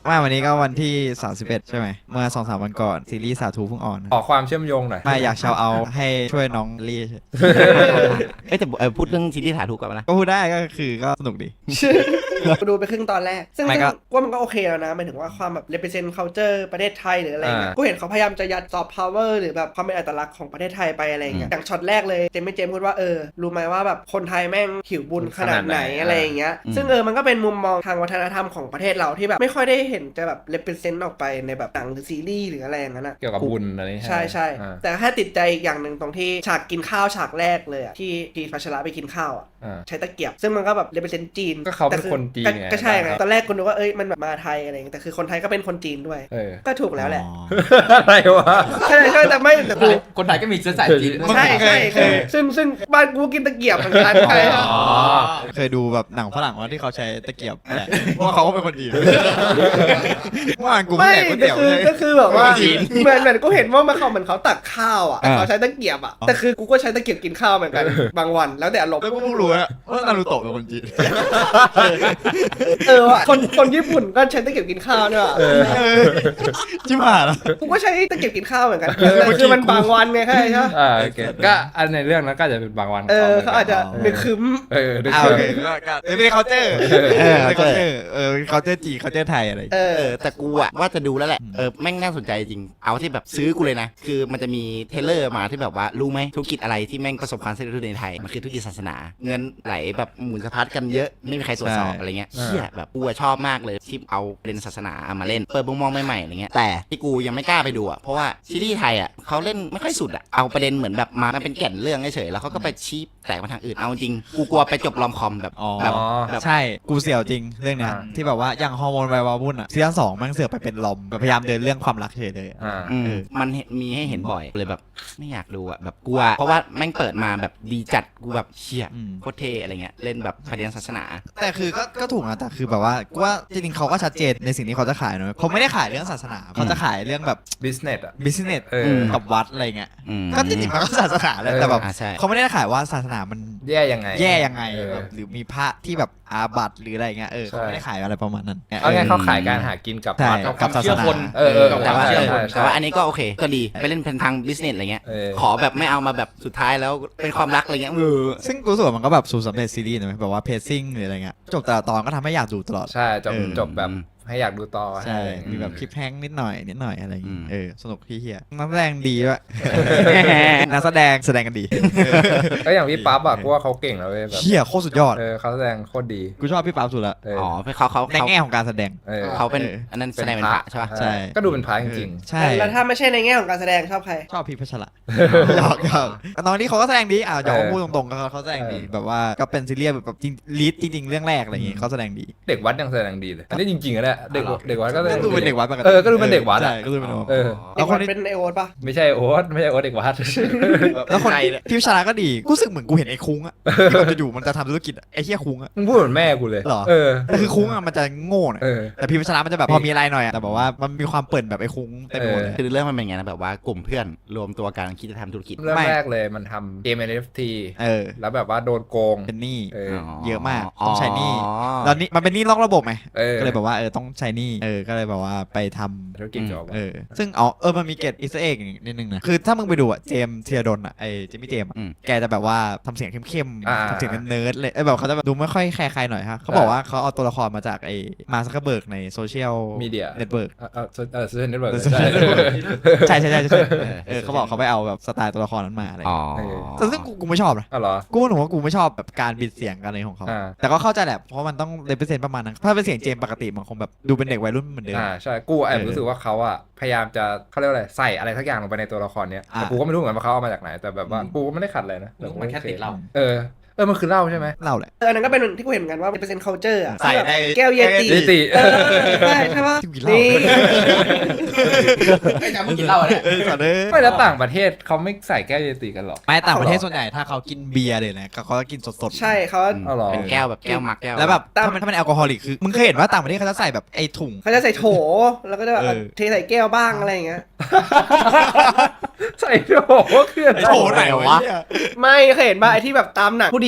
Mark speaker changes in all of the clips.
Speaker 1: ว่าวันนี้ก็วันที่31ใช่ไหมเมื่อ 2-3 วันก่อนซีรีส์สาธุเพิ่งออน
Speaker 2: ขอความเชื่อมโยงหน่อย
Speaker 1: ไม่อยากชาวเอาให้ช่วยน้องลี่
Speaker 3: แต่พูดเรื่องซีรีส์ถาถูกกันนะ
Speaker 1: ก็พูดได้ก็คือก็สนุกดี
Speaker 4: กูดูไปครึ่งตอนแรกซึ่ง
Speaker 1: ไม่ก็
Speaker 4: ว่ามันก็โอเคแล้วนะหมายถึงว่าความแบบ represent culture ประเทศไทยหรืออะไรเงี้ยกูเห็นเขาพยายามจะยัด soft power หรือแบบความเป็นอัตลักษณ์ของประเทศไทยไปอะไรเงี้ยอย่างช็อตแรกเลยเจมพูดว่ารู้ไหมว่าแบบคนไทยแม่งหิวบุญขนาดไหนอะไรอย่างเงี้ยซึ่งมันก็เป็นมุมมองทางวัฒนธรรมของประเทศเราที่แบบไม่ค่อยได้เห็นจะแบบ represent ออกไปในแบบหนังหรือซีรีส์หรืออะไรอย่างนั้นอะ
Speaker 2: เกี่ยวกับบุญอะไร
Speaker 4: ใช่แต่แค่ติดใจอีกอย่างหนึ่งตรงที่ฉากกินข้าวฉากแรกเลยอะที่พีพัชระไปกินข้าวอะใช้ตะเกียบซึ่งมันก็แบบ represent จีน
Speaker 2: ก็เขาเป็นคนจีนไง
Speaker 4: ก็ใช่ไงตอนแรกคุณนึกว่ามันแบบมาไทยอะไรอย่างเงี้ยแต่คือคนไทยก็เป็นคนจีนด้วยก็ถูกแล้วแหละ
Speaker 2: อะไรวะ
Speaker 4: ใช่แต่ไม่แต่กู
Speaker 5: คนไทยก็มีเชื้อสายจีน
Speaker 4: ใช่ซึ่งบ้านกูกินตะเกียบเหมือนกันใช่
Speaker 1: เคยดูแบบหนังฝรั่งว่าที่เขาใช้ตะเกียบแหละว่าเขาก็เป็นคนจีนว่ากูไม่
Speaker 4: ไม่
Speaker 1: แดกก๋วยเตี๋ยวเลย
Speaker 4: ก็คือแบบว่าเหมือนกูเห็นว่ามันเขาเหมือนเขาตักข้าวอ่ะเขาใช้ตะเกียบอ่ะแต่คือกูก็ใช้ตะเกียบกินข้าวเหมือนกันบางวันแล้วแต่อารมณ์
Speaker 1: แล้วกูเพิ่งรู้ว่านารูโตะเป็นคนจีน
Speaker 4: ว่ะคนญี่ปุ่นก็ใช้ตะเกียบกินข้าวเนี่ยว่ะ
Speaker 1: จิ้มหายแล้ว
Speaker 4: กูก็ใช้ตะเกียบกินข้าวเหมือนกันคือมันบางวันไงใช่ไหม
Speaker 2: โอเคก็อันในเรื่องนั้นก็จะเป็นบางวัน
Speaker 4: เขาอาจจะนึกคึม
Speaker 1: โอเคก็ไม่ได้เคาน์เตอร์ไม่ได้เคาน์เตอร์เคาน์เตอร์จีเคาน์เตอร์ไทยอะไร
Speaker 3: แต่กูอะว่าจะดูแล้วแหละแม่งน่าสนใจจริงเอาที่แบบซื้อกูเลยนะคือมันจะมีเทเลอร์มาที่แบบว่ารู้ไหมธุรกิจอะไรที่แม่งประสบความสำเร็จในไทยมันคือธุรกิจศาสนาเงินไหลแบบหมุนสะพัดกันเยอะไม่มีใครตรวจสอบอะไรเงี้ยเชี่ยแบบกูชอบมากเลยที่เอาประเด็นศาสนามาเล่นเปิดมุมมองใหม่ๆอะไรเงี้ยแต่ที่กูยังไม่กล้าไปดูอะเพราะว่าซีรีส์ไทยอะเขาเล่นไม่ค่อยสุดอะเอาประเด็นเหมือนแบบมาเป็นแก่นเรื่องเฉยๆแล้วเขาก็ไปชี้แตกมาทางอื่นเอาจริงกูกลัวไปจบรอมคอมแบบ
Speaker 1: ใช่กูเสี่ยวจริงเรื่องเนี้ยที่แบบว่าอย่างฮอร์โมนไววาวุ่นอ่ะซีซั่น2มันเสือกไปเป็นลมแบบพยายามเดินเรื่องความรักเฉยเลย
Speaker 3: มันมีให้เห็นบ่อยเลยแบบไม่อยากดูอะแบบกลัวเพราะว่าแม่งเปิดมาแบบดีจัดกูแบบเชี่ยโคตรเท่อะไรเงี้ยเล่นแบบประเด็นศาสนา
Speaker 1: แต่คือก็ถูกนะแต่คือแบบว่ากูว่าจริงๆเขาก็ชัดเจนในสิ่งที่เขาจะขายนะเขาไม่ได้ขายเรื่องศาสนาเขาจะขายเรื่องแบบ
Speaker 2: business อ่ะ
Speaker 1: business กับวัดอะไรเงี้ยก็จริงๆมันก็ศาสนาแหละแต่แบบเขาไม่ได้ขายว่าศาสนามัน
Speaker 2: แย่ยังไง
Speaker 1: แบบหรือมีพระที่แบบอาบัติหรืออะไรเงี้ยเขาไม่ได้ขายอะไรประมาณนั้น
Speaker 2: เอาไงเขาขายการหากินกับวัด
Speaker 1: กับศาสนา
Speaker 3: แต่ว่าอันนี้ก็โอเคก็ดีไปเล่นเป็นทาง business อะไรเงี้ยขอแบบไม่เอามาแบบสุดท้ายแล้วเป็นความรักอะไรเงี้ย
Speaker 1: ซึ่งกูรู้สึกว่ามันก็แบบสูตรสำเร็จซีรีส์นะแบบว่าเพซซิ่งหรืออะไรเงี้ยจบแต่ละตอนก็ทำให้อยากดูตลอด
Speaker 2: ใช่จบแบบให้อยากดูต่อ
Speaker 1: ใช่มีแบบคลิปแฮงนิดหน่อยอะไรอย่างเงี้ยสนุกพี่เฮียนักแสดงดีด้วยนักแสดงกันดี
Speaker 2: ก็อย่างพี่ปั๊บอะกูว่าเขาเก่งแล้วเว้ยแบบ
Speaker 1: เฮียโคตรสุดยอด
Speaker 2: เขาแสดงโคตรดี
Speaker 1: กูชอบพี่ปั๊บสุดละ
Speaker 3: เขา
Speaker 1: ในแง่ของการแสดง
Speaker 3: เขาเป็นอันนั้นแสดงเป็นพระใช่ป่ะ
Speaker 1: ใช่
Speaker 2: ก็ดูเป็นพระจริง
Speaker 1: ๆใช่
Speaker 4: แล้วถ้าไม่ใช่ในแง่ของการแสดงชอบใคร
Speaker 1: ชอบพี่พัชระหยอกน้องนี่เขาก็แสดงดีอย่าพูดตรงๆเขาแสดงดีแบบว่าก็เป็นซีรีส์แบบลีดจริงๆเรื่องแรกอะไรอย่างงี้เขาแสดงดี
Speaker 2: เด็กวัดยังแสดงดีเลยอันนี้จริงๆอะเนี่ยเด็กวัดก็
Speaker 1: ดูเป็นเด็กวัด
Speaker 2: ก็ดูเป็นเด็กวัด
Speaker 1: ก็ดูเป็น
Speaker 4: แล้วคนเป็นไอโอ๊ตปะ
Speaker 2: ไม่ใช่โอ๊ตเด็กวัด
Speaker 1: แล้วคนพี่พัชระก็ดีกูรู้สึกเหมือนกูเห็นไอ้คุ้งอะที่มันจะอยู่มันจะทำธุรกิจไอ้เหี้ยคุ้งอะ
Speaker 2: มึงพูดเหมือนแม่กูเลย
Speaker 1: หรอแต่คือคุ้งอะมันจะโง่หน่อยแต่พี่พัชระมันจะแบบพอมีอะไรหน่อยแต่แบบว่ามันมีความเปิดแบบไอ้คุ้งเต็มไปหมดเลย
Speaker 3: คือเรื่องมันเป็นไงนะแบบว่ากลุ่มเพื่อนรวมตัวกันคิดจะทำธุรกิจ
Speaker 2: เริ่มแรกเลยมันทำเกม NFT แล้วแบบว่าโดนโกง
Speaker 1: เป็นหนี้เยอะมากต้องใช้หนี้แล้วนี่มันเป็นหนี้นอกระบบไงก็เลยแบบว่าต้องใช้หนี้ก็เลยแบบว่าไปทำ
Speaker 2: ธุรกิจจบ
Speaker 1: ซึ่งมันมีเกตอีสเตอร์เอ็กนิดนึงนะคือถ้ามึงไปดูเจมเทียดนไอเจมี่เจมแกจะแบบว่าทำเสียงเข้มๆทำเสียงเนิร์ดเลยแบบเขาจะแบบดูไม่ค่อยแคร์ใครหน่อยฮะเขาบอกว่าเขาเอาตัวละครมาจากไอมาร์ค ซักเคอร์เบิร์กในโซเชียล
Speaker 2: มีเดีย
Speaker 1: เน็ตเวิร์ก
Speaker 2: โซเชียลเน็ตเวิร์ก
Speaker 1: ใช่เขาบอกเขาไปเอาแบบสไตล์ตัวละครนั้นมาอะไรแต่ซึ่งกูไม่ชอบนะกูหนูว่ากูไม่ชอบแบบการบิดเสียงกันอะไรของเขาแต่ก็เข้าใจแหละเพราะมันต้องเลเวอเรประมาณนั้นถ้าเป็นเสียงเจมปกติมันคงแบบดูเป็นเด็กวัยรุ่นเหมือนเดิม
Speaker 2: ใช่กูแอบรู้สึกว่าเขาอะพยายามจะเขาเรียกว่าอะไรใส่อะไรทักอย่างลงไปในตัวละครเนี้ยแต่กูก็ไม่รู้เหมือนกันว่าเขาเอามาจากไหนแต่แบบว่ากูก็ไม่ได้ขัดเลยนะ
Speaker 5: มันแค่ติดเรา
Speaker 2: มันคือเหล้าใช่ไหม
Speaker 1: เหล้าแหละ
Speaker 4: อันนั้นก็เป็นที่กูเห็นเหมือนกันว่าเป็น culture อ่ะ
Speaker 1: ใส่ใน
Speaker 4: แก้วเยติใช่ป่ะ
Speaker 1: นี่
Speaker 5: ไม่จำไม่กินเหล้าเนี่ย
Speaker 2: ไม่แล้วต่างประเทศเขาไม่ใส่แก้วเยติกันหรอ
Speaker 1: ไม่ต่างประเทศส่วนใหญ่ถ้าเขากินเบียร์เลยนะเขาก็กินสด
Speaker 4: ๆใช่เขา
Speaker 3: เป็นแก้วแบบแก้วมักแก้ว
Speaker 1: แล้วแบบถ้ามันแอลกอฮอลิกคือมึงเคยเห็นว่าต่างประเทศเขาจะใส่แบบไอ้ถุง
Speaker 4: เขาจะใส่โถแล้วก็จะเทใส่แก้วบ้างอะไรอย่างเงี้ย
Speaker 2: ใส่โถคือ
Speaker 1: โถไหนวะ
Speaker 4: ไม่เคยเห็นป่ะไอ้ที่แบบตามหนังผู้ดี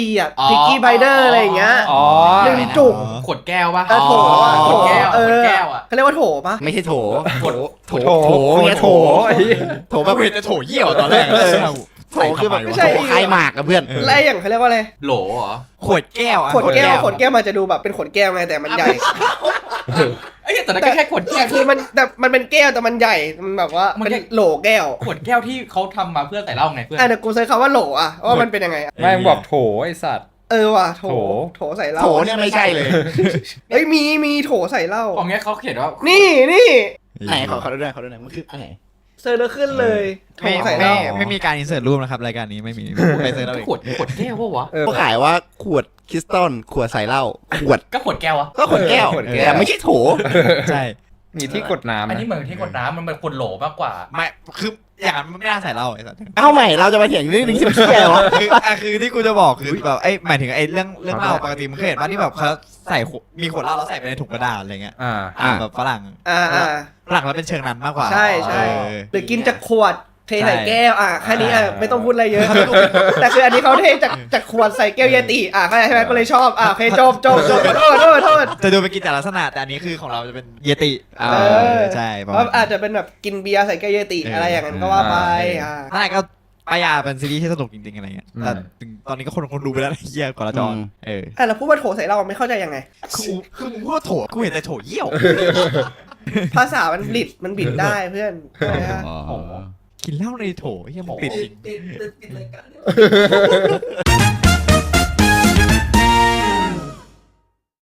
Speaker 4: บีอ่ะพิกกี้ไบเดอร์อะไรอย่างเงี้ย
Speaker 2: อ๋อ
Speaker 4: หนึ่งจุก
Speaker 5: ขวดแก้วปะ
Speaker 4: โถอะ
Speaker 5: ขวดแก้ว
Speaker 4: เอ
Speaker 5: ขวด
Speaker 4: อ
Speaker 5: แก้วอ่ะ
Speaker 4: เขาเรียกว่าโถปะ
Speaker 3: ไม่ใช่โถ
Speaker 5: ขวด
Speaker 3: โถเนี่ยโถ โถแบบ
Speaker 1: เห็นจะโถเยี่ยวตอนแรก
Speaker 3: โถคือแบบ
Speaker 4: ไม่ใช่
Speaker 3: โถคลายหมากอะเพื่อน
Speaker 4: แล้วอย่างเขาเรียกว่าอะไร
Speaker 5: โหลเหรอ
Speaker 1: ขวดแก้ว
Speaker 4: ขวดแก้วมันจะดูแบบเป็นขวดแก้วไงแต่มันใหญ่
Speaker 5: ไอ้แต่นั่นก็แค่ขวดแก้ว
Speaker 4: คือมันเป็นแก้วแต่มันใหญ่มันแบบว่ามันโหลแก้ว
Speaker 5: ขวดแก้วที่เขาทำมาเพื่อใส่เหล้าไงเพื่อน
Speaker 4: เดี๋ยวกูเซิร์ชคำว่าโหลอ่ะว่ามันเป็นยังไงอะ
Speaker 2: แม่งบอกโถไอสัตว์
Speaker 4: ว่ะโถ
Speaker 2: โถ
Speaker 4: โถใส่เหล้า
Speaker 3: โถเนี่ยไม่ใช่เลย
Speaker 4: เอ้ยมีโถใส่เหล้า
Speaker 5: ของเงี้ยเขาเขียนว่า
Speaker 4: นี่
Speaker 3: ไหนขอดูหน่อยมันคืออันไหน
Speaker 4: เซิร์ชแล้วขึ้นเลยโถ
Speaker 1: ไม่
Speaker 4: ใส่เหล้า
Speaker 1: ไม่มีการอินเสิร์ตรูปนะครับรายการนี้ไม่มีไปเสิร์ตเอาเอง
Speaker 5: ขวดแก้วปะวะ
Speaker 3: เขาขายว่าขวดคริสตัลขวดใส่เหล้าขวด
Speaker 5: ก็ขวดแก้วอะ
Speaker 3: ก็ขวดแก้ว
Speaker 2: ขวดแก้ว
Speaker 3: แต่ไม่ใช่โถ
Speaker 1: ใช่
Speaker 2: มีที่กดน้ำ
Speaker 5: อัน
Speaker 2: นะ
Speaker 5: นี้เหมือนที่ขวดน้ำมันเป็นขวดโหลมากกว่า
Speaker 1: ไม่คืออย่างนั้นมันไม่น่าใส่เหล้าไอ้สัส
Speaker 3: เอาใหม่เราจะมาเถียงเรื่องนี้สิแก้วะ
Speaker 1: คือที่กูจะบอกคือแบบไอ้หมายถึงไอ้เรื่องเหล้าปกติมึงเคยเห็นว่าที่แบบเขาใส่มีขวดเหล้าแล้วใส่ไปในถุงกระดาษอะไรเงี้ย แบบฝรั่ง ฝรั่งแล้วเป็นเชิงนั้นมากกว่า
Speaker 4: ใช่หรือกินจากขวดเทใส่แก้วแค่นี้ไม่ต้องพูดอะไรเยอะแต่คืออันนี้เขาเทจากขวดใส่แก้วเยติเข้าใจใช่ไหมก็เลยชอบโอเคจบโทษ
Speaker 1: จะดูเป็นกิจลักษณะแต่อันนี้คือของเราจะเป็นเยติใช่ประ
Speaker 4: เพ
Speaker 1: มาณ
Speaker 4: ราะอาจจะเป็นแบบกินเบียร์ใส่แก้วเยติอะไรอย่างนั้นก็ว่าไป
Speaker 1: นั่นก็ปายาเป็นซีรีส์ที่สนุกจริงๆอะไรเงี้ยแต่ถึงตอนนี้ก็คนดูไปแล้วเยี่ยกว่าละจอน
Speaker 4: แล้วพูดว่าโถใส่เราไม่เข้าใจยังไง
Speaker 1: คือมึงพูดว่าโถกูเห็นแต่โถเยี่ยว
Speaker 4: ภาษามันบิดได้เพื่อน
Speaker 1: กินเหล้าในโถเฮียมึงติดจริง
Speaker 4: ติดรายการ